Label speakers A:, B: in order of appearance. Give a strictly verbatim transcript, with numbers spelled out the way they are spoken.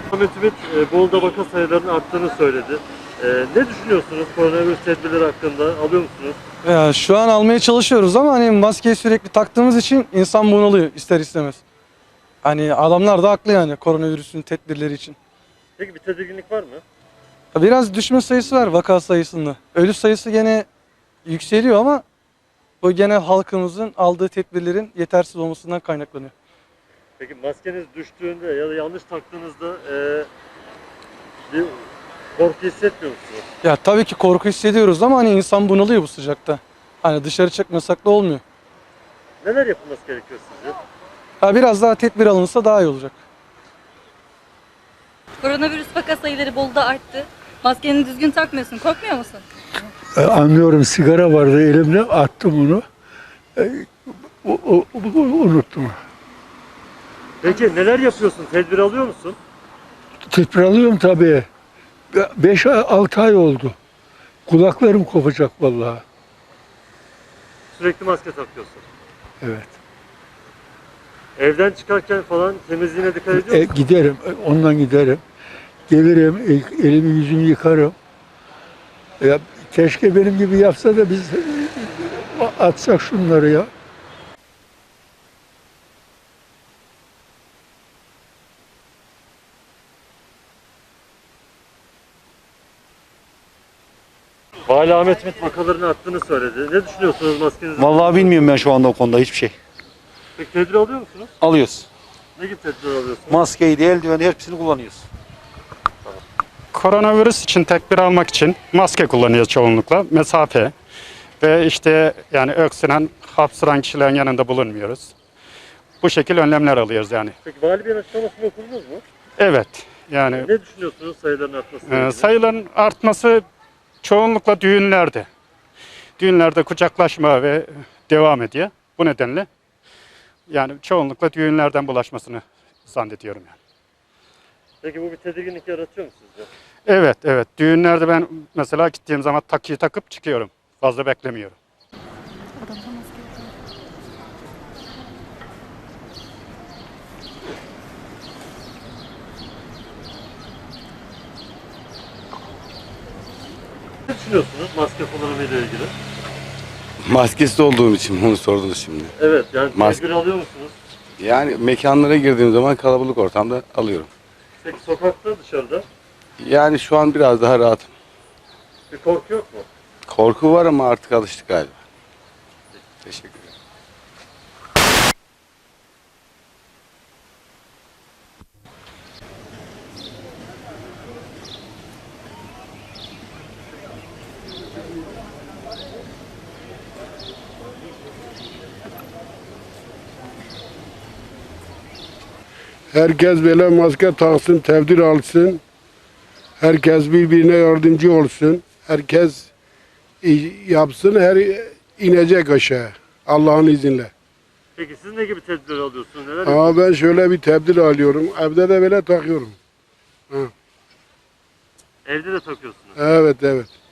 A: Ahmet Ümit e, Bolu'da vaka sayılarının arttığını söyledi. E, ne düşünüyorsunuz koronavirüs tedbirleri hakkında? Alıyor musunuz?
B: Ya şu an almaya çalışıyoruz ama hani maskeyi sürekli taktığımız için insan bunalıyor ister istemez. Hani adamlar da haklı yani koronavirüsün tedbirleri için.
A: Peki bir tedirginlik var mı?
B: Ya biraz düşme sayısı var vaka sayısında. Ölü sayısı gene yükseliyor ama bu gene halkımızın aldığı tedbirlerin yetersiz olmasından kaynaklanıyor.
A: Peki maskeniz düştüğünde ya da yanlış taktığınızda e, bir korku hissetmiyor musunuz?
B: Ya tabii ki korku hissediyoruz ama hani insan bunalıyor bu sıcakta. Hani dışarı çıkmasak da olmuyor.
A: Neler yapılması gerekiyor sizce?
B: Ha biraz daha tedbir alınsa daha iyi olacak.
C: Koronavirüs vaka sayıları Bolu'da arttı. Maskeni düzgün takmıyorsun. Korkmuyor musun?
D: E, anlıyorum, sigara vardı elimde, attım onu. E, o, o, o- unuttum.
A: Peki neler yapıyorsun? Tedbir alıyor musun?
D: Tedbir alıyorum tabii. beş altı ay oldu. Kulaklarım kopacak vallahi.
A: Sürekli maske takıyorsun.
D: Evet.
A: Evden çıkarken falan temizliğine dikkat ediyor
D: E,
A: musun?
D: giderim, e, ondan giderim. Gelirim, e, elimi yüzümü yıkarım. Ya, keşke benim gibi yapsa da biz e, atsak şunları ya.
A: Vali Ahmet Ümit vakaların arttığını söyledi. Ne düşünüyorsunuz maskenizi?
E: Vallahi bilmiyorum ben şu anda o konuda hiçbir şey.
A: Peki tedbir alıyor musunuz?
E: Alıyoruz.
A: Ne gibi tedbir alıyorsunuz?
E: Maskeyi de eldiveni hepsini kullanıyoruz.
F: Koronavirüs için tedbir almak için maske kullanıyoruz çoğunlukla. Mesafe ve işte yani öksüren, hapşıran kişilerin yanında bulunmuyoruz. Bu şekil önlemler alıyoruz yani.
A: Peki Vali Bey'in açıklamasını okudunuz mu?
F: Evet yani
A: Ne düşünüyorsunuz sayıların artmasıyla
F: e,
A: ilgili?
F: sayıların artması çoğunlukla düğünlerde. Düğünlerde kucaklaşma ve devam ediyor. Bu nedenle yani çoğunlukla düğünlerden bulaşmasını zannediyorum yani.
A: Peki bu bir tedirginlik yaratıyor mu sizce?
F: Evet, evet. Düğünlerde ben mesela gittiğim zaman takıyı takıp çıkıyorum. Fazla beklemiyorum.
A: Ne düşünüyorsunuz maske kullanımıyla ilgili?
G: Maskesiz olduğum için bunu sordunuz şimdi.
A: Evet, yani
G: Maske-
A: tedbir alıyor musunuz?
G: Yani mekanlara girdiğim zaman kalabalık ortamda alıyorum.
A: Peki sokakta, dışarıda
G: Yani şu an biraz daha rahatım.
A: bir korku yok mu?
G: Korku var ama artık alıştık galiba. Teşekkür ederim.
H: Herkes böyle maske taksın, tedbir alsın. Herkes birbirine yardımcı olsun. Herkes yapsın, her inecek aşağı. Allah'ın izniyle.
A: Peki siz ne gibi tedbir alıyorsunuz? Neler
H: Ama
A: yapıyorsunuz?
H: ben şöyle bir tedbir alıyorum. Evde de böyle takıyorum.
A: Evde de takıyorsunuz.
H: Evet, evet.